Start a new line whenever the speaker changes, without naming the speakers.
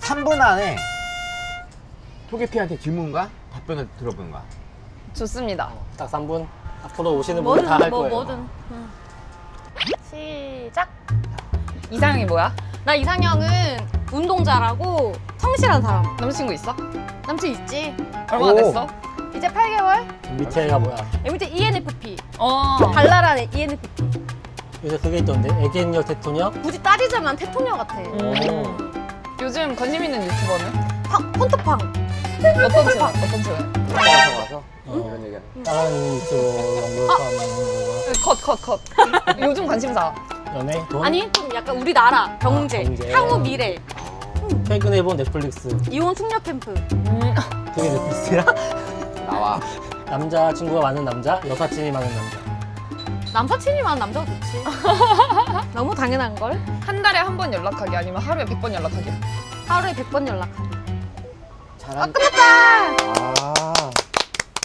3분 안에 토개피한테 질문과 답변을 들어보는 거야.
좋습니다.
딱 3분. 앞으로 오시는 분들 다 할 거예요.
뭐든. 시작.
이상형이 뭐야?
나 이상형은 운동 잘하고 성실한 사람.
남자친구 있어?
남친 있지?
얼마나
오.
됐어?
이제 8개월?
밑에가 뭐야?
밑에 ENFP.
어.
발랄한 ENFP.
요새 그게 있던데. 애견녀 대통령?
굳이 따지자면 대통령 같아.
요즘 관심 있는 유튜버는?
폰트팡.
어떤 층? 어떤 층?
따라서 가서
이런
얘기.
다른 유튜버 연구하는
컷. 요즘 관심사.
거. 연애? 돈?
아니 좀 약간 우리나라 경제,
경제.
향후 미래,
최근에 본 넷플릭스.
이혼 숙녀 캠프.
그게 넷플릭스야?
나와.
남자친구가 많은 남자, 여사친이 많은 남자.
남사친이 많은 남자가 좋지. 너무 당연한 걸.
한 달에 한 번 연락하기 아니면 하루에 100번 연락하기?
하루에 100번 연락하기.
잘한.
끝났다.
아.